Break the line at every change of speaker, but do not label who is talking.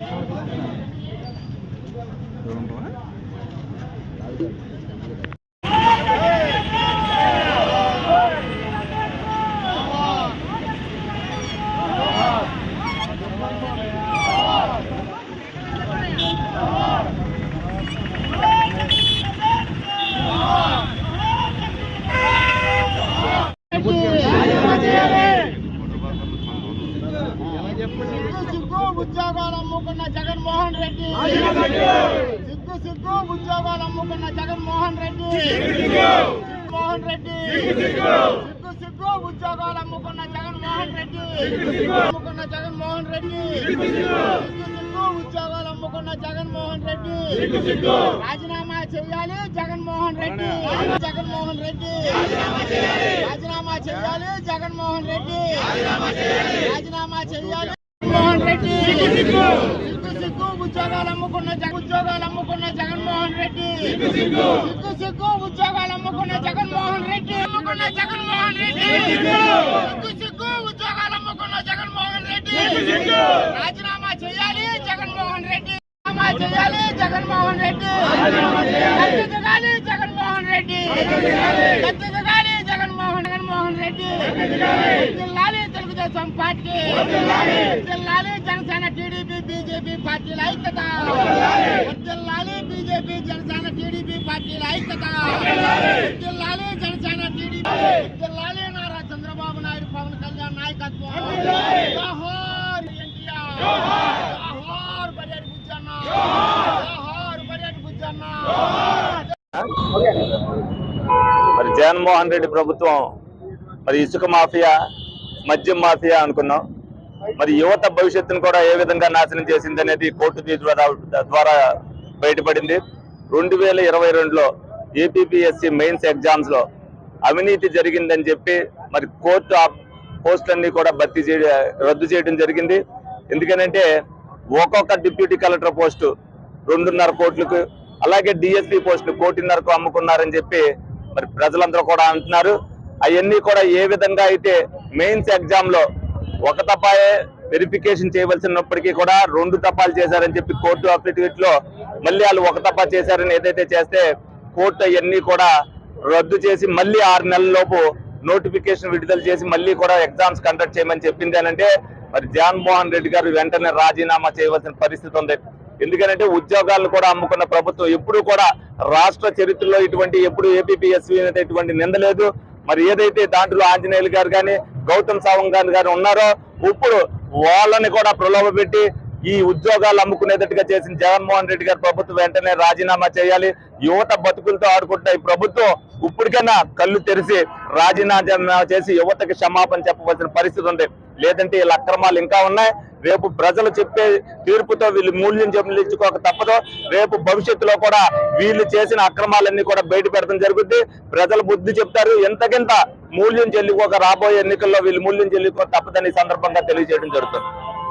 ఉద్యోగాలు అమ్ముకున్న జగన్మోహన్ రెడ్డి, సిగ్గు ఉద్యోగాలు అమ్ముకున్న జగన్మోహన్ రెడ్డి, మోహన్ రెడ్డి, సిగ్గు ఉద్యోగాలు అమ్ముకున్న జగన్మోహన్ రెడ్డి, అమ్ముకున్న జగన్మోహన్ రెడ్డి, సిగ్గు ఉద్యోగాలు అమ్ముకున్న జగన్మోహన్ రెడ్డి, రాజీనామా చేయాలి జగన్మోహన్ రెడ్డి, జగన్మోహన్ రెడ్డి రాజీనామా చేయాలి, జగన్మోహన్ రెడ్డి రాజీనామా చేయాలి, మోహన్ రెడ్డి, సిగ్గు ఉద్యోగాలు అమ్ముకున్న జగన్మోహన్ రెడ్డి, సిగ్గు ఉద్యోగాలు అమ్ముకున్న జగన్మోహన్ రెడ్డి, జగన్మోహన్ రెడ్డి, సిగ్గు ఉద్యోగాలు అమ్ముకున్న జగన్మోహన్ రెడ్డి, రాజీనామా చేయాలి జగన్మోహన్ రెడ్డి, చేయాలి Jaganmohan Reddy, గద్దెదిగాలి Jaganmohan Reddy, గద్దెదిగాలి Jaganmohan Reddy, జిల్లాలి Telugu Desam party, జిల్లాలి Janasena TDP BJP పార్టీల ఐక్యత, జిల్లాలి బీజేపీ జనసేన టీడీపీ పార్టీల ఐక్యత, జిల్లాలి జనసేన టీడీపీ, జిల్లాలి నారా చంద్రబాబు నాయుడు పవన్ కళ్యాణ్ నాయకత్వం, జోహార్ ఎన్టీఆర్, జోహార్ బడ్జెట్ బుజ్జన్న, జోహార్ బడ్జెట్ బుజ్జన్న.
మరి జగన్మోహన్ రెడ్డి ప్రభుత్వం మరి ఇసుక మాఫియా, మద్యం మాఫియా అనుకున్నాం. మరి యువత భవిష్యత్తును కూడా ఏ విధంగా నాశనం చేసింది అనేది కోర్టు తీర్పు ద్వారా బయటపడింది. 2022లో ఏపీపీఎస్సీ మెయిన్స్ ఎగ్జామ్స్ లో అవినీతి జరిగిందని చెప్పి మరి కోర్టు ఆ పోస్టులన్నీ కూడా రద్దు చేయడం జరిగింది. ఎందుకనంటే ఒక్కొక్క డిప్యూటీ కలెక్టర్ పోస్టు 2.5 కోట్లకు, అలాగే డిఎస్పీ పోస్టులు 1.5 కోట్లకు అమ్ముకున్నారని చెప్పి మరి ప్రజలందరూ కూడా అంటున్నారు. అవన్నీ కూడా ఏ విధంగా అయితే మెయిన్స్ ఎగ్జామ్ లో ఒక తపాయే వెరిఫికేషన్ చేయవలసినప్పటికీ కూడా 2 తపాలు చేశారని చెప్పి కోర్టు అఫిడవిట్ లో మళ్ళీ వాళ్ళు 1 తపా చేశారని ఏదైతే చేస్తే కోర్టు అవన్నీ కూడా రద్దు చేసి మళ్ళీ 6 నెలల లోపు నోటిఫికేషన్ విడుదల చేసి మళ్ళీ కూడా ఎగ్జామ్స్ కండక్ట్ చేయమని చెప్పింది. అనంటే మరి జగన్మోహన్ రెడ్డి గారు వెంటనే రాజీనామా చేయవలసిన పరిస్థితి ఉంది. ఎందుకంటే ఉద్యోగాలను కూడా అమ్ముకున్న ప్రభుత్వం ఎప్పుడు కూడా రాష్ట్ర చరిత్రలో ఎప్పుడు ఏపీపీఎస్సీ ఇటువంటి నిందలేదు. మరి ఏదైతే దాంట్లో ఆంజనేయులు గారు కానీ గౌతమ్ సావంగ్ గారు ఉన్నారో ఇప్పుడు వాళ్ళని కూడా ప్రలోభ పెట్టి ఈ ఉద్యోగాలు అమ్ముకునేటట్టుగా చేసిన జగన్మోహన్ రెడ్డి గారు ప్రభుత్వం వెంటనే రాజీనామా చేయాలి. యువత బతుకులతో ఆడుకుంటున్న ఈ ప్రభుత్వం ఇప్పటికైనా కళ్ళు తెరిచి రాజీనామా చేసి యువతకి క్షమాపణ చెప్పవలసిన పరిస్థితి ఉంది. లేదంటే వీళ్ళ అక్రమాలు ఇంకా ఉన్నాయి. రేపు ప్రజలు చెప్పే తీర్పుతో వీళ్ళు మూల్యం చెల్లించుకోక తప్పదు. రేపు భవిష్యత్తులో కూడా వీళ్ళు చేసిన అక్రమాలన్నీ కూడా బయట పెడతాం జరుగుద్ది. ప్రజలు బుద్ధి చెప్తారు. ఎంతకింత మూల్యం చెల్లిపోక రాబోయే ఎన్నికల్లో వీళ్ళు మూల్యం చెల్లిపోక తప్పదని సందర్భంగా తెలియజేయడం జరుగుతుంది.